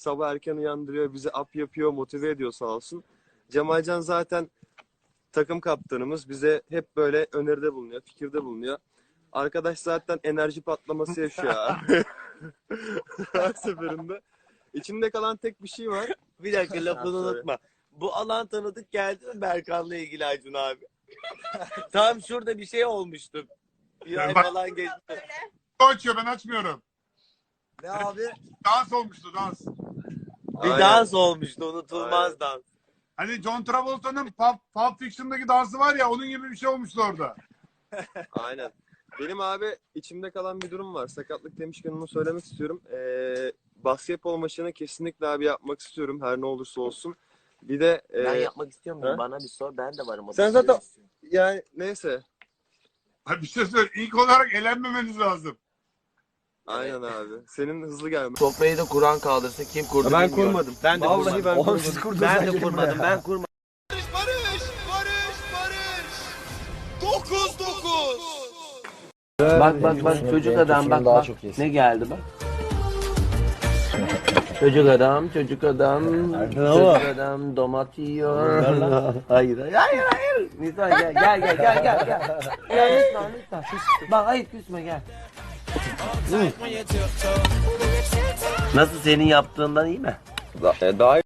sabah erken uyandırıyor, bizi up yapıyor, motive ediyor sağ olsun. Cemalcan zaten takım kaptanımız. Bize hep böyle öneride bulunuyor, fikirde bulunuyor. Arkadaş zaten enerji patlaması yaşıyor abi. Her seferinde. İçimde kalan tek bir şey var. Bir dakika lafını Ha, söyle. unutma. Bu alan tanıdık geldi mi Berkan'la ilgili Acun abi? Tam şurada bir şey olmuştu. Bir ay Bak- falan geçti. O açıyor, ben açmıyorum. Ne abi? Dans olmuştu, dans. Bir Aynen. dans olmuştu, unutulmaz Aynen. dans. Hani John Travolta'nın Pulp Fiction'daki dansı var ya, onun gibi bir şey olmuştu orada. Aynen. Benim abi içimde kalan bir durum var. Sakatlık demişken onu söylemek istiyorum. Basketbol maçını kesinlikle abi yapmak istiyorum. Her ne olursa olsun. Bir de Ben yapmak istiyor muyum? ha? Bana bir sor, ben de varım. o sen da. zaten yani neyse. Ha, bir şey söyle. İlk olarak elenmemeniz lazım. Aynen abi. Senin hızlı gelmen. Sofrayı da Kur'an kaldırsa kim kurdu Ben bilmiyorum. kurmadım. Ben de Vallahi kurmadım. ben Oğlum kurmadım. siz kurdunuz. Ben de kurmadım, ben kurmadım. Bak çocuk adam bak daha bak. çok iyisin. Ne geldi bak. Çocuk adam, çocuk adam, çocuk adam domat yiyor. Hayır. Nisan gel. Gel lütfen. Bak hayır küsme gel. Nasıl senin yaptığından iyi mi? Daha